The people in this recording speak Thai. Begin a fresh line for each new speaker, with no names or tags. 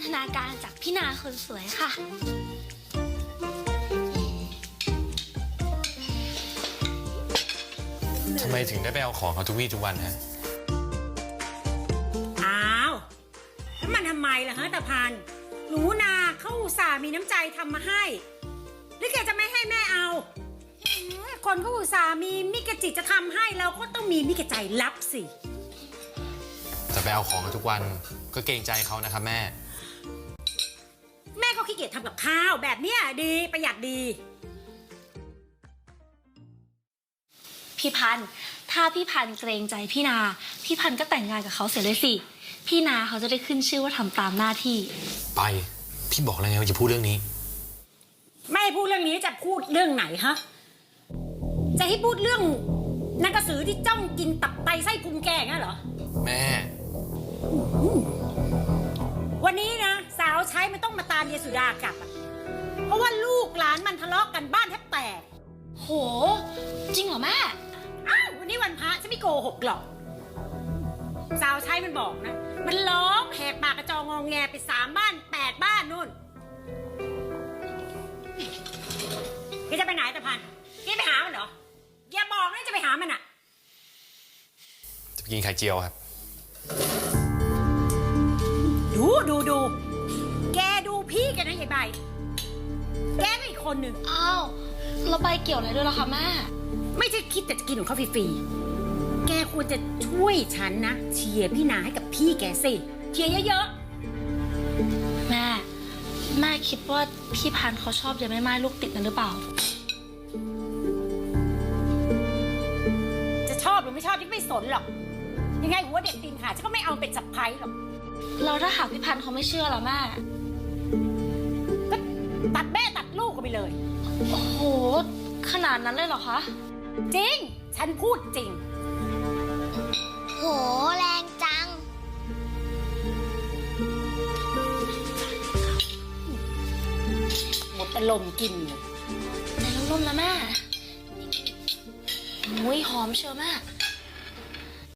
ทนาการจากพี่นาคนสวยค่ะ
ทำไมถึงได้ไปเอาของเขาทุกวี่ทุกวันฮะ
อ้าวแล้วมันทำไมล่ะฮะตาพันหนูนาเขาอุตส่าห์มีน้ำใจทำมาให้หรือแกจะไม่ให้แม่เอาคนเขาอุตส่าห์มีมิกจิตจะทำให้เราก็ต้องมีมิกใจรับสิ
จะไปเอาของเขาทุกวันก็เกรงใจเขานะครับแม่
แม่เขาขี้เกียจทำกับข้าวแบบเนี้ยดีประหยัดดี
พี่พันธุ์ถ้าพี่พันธุ์เกรงใจพี่นาพี่พันธุ์ก็แต่งงานกับเขาเสียเลยสิพี่นาเขาจะได้ขึ้นชื่อว่าทำตามหน้าที่
ไปพี่บอกแล้วไงว่าจะพูดเรื่องนี้
ไม่พูดเรื่องนี้จะพูดเรื่องไหนฮะจะให้พูดเรื่องนักกระสือที่จ้องกินตับไตไส้พุงแกงั้นเหรอ
แม่
วันนี้นะสาวใช้มันต้องมาตามเยสุดากลับเพราะว่าลูกหลานมันทะเลาะกันบ้านแทบแตก
โหจริงเหรอแม่
อ้าววันนี้วันพระฉันไม่โกหกหรอกสาวใช้มันบอกนะมันร้องแหกปากกระจองงอแงไป3 บ้าน 8 บ้านนู่นแกจะไปไหนตะพันแกไปหามันเหรออย่าบอกนะจะไปหามันอ่ะ
จะไปกินไข่เจียวครับ
ดูแกดูพี่แกนะยายใบแกก็อีกคนหนึ่ง
อ้าวเราใบเกี่ยวอะไรด้วยล่ะคะแม่
ไม่ใช่คิดแต่จะกินของเขาฟรีๆแกควรจะช่วยฉันนะเชียร์พี่นาให้กับพี่แกสิเชียร์เยอะ
ๆแม่คิดว่าพี่พันธุ์เขาชอบยายแม่ไม้ลูกติดนั่นหรือเปล่า
จะชอบหรือไม่ชอบที่ไม่สนหรอกยังไงหัวเด็กตีนขาฉันก็ไม่เอาเป็นสับไพรหรอก
เราถ้าหากพี่พันธุ์เขาไม่เชื่อล่ะแม่
ก็ตัดแม่ตัดลูกกันไปเลย
โอ้โหขนาดนั้นเลยเหรอคะ
จริงฉันพูดจริง
โหแรงจัง
หมดแต่ลมกิน
ในร่มๆนะแม่โอ้ยหอมเชียวแม่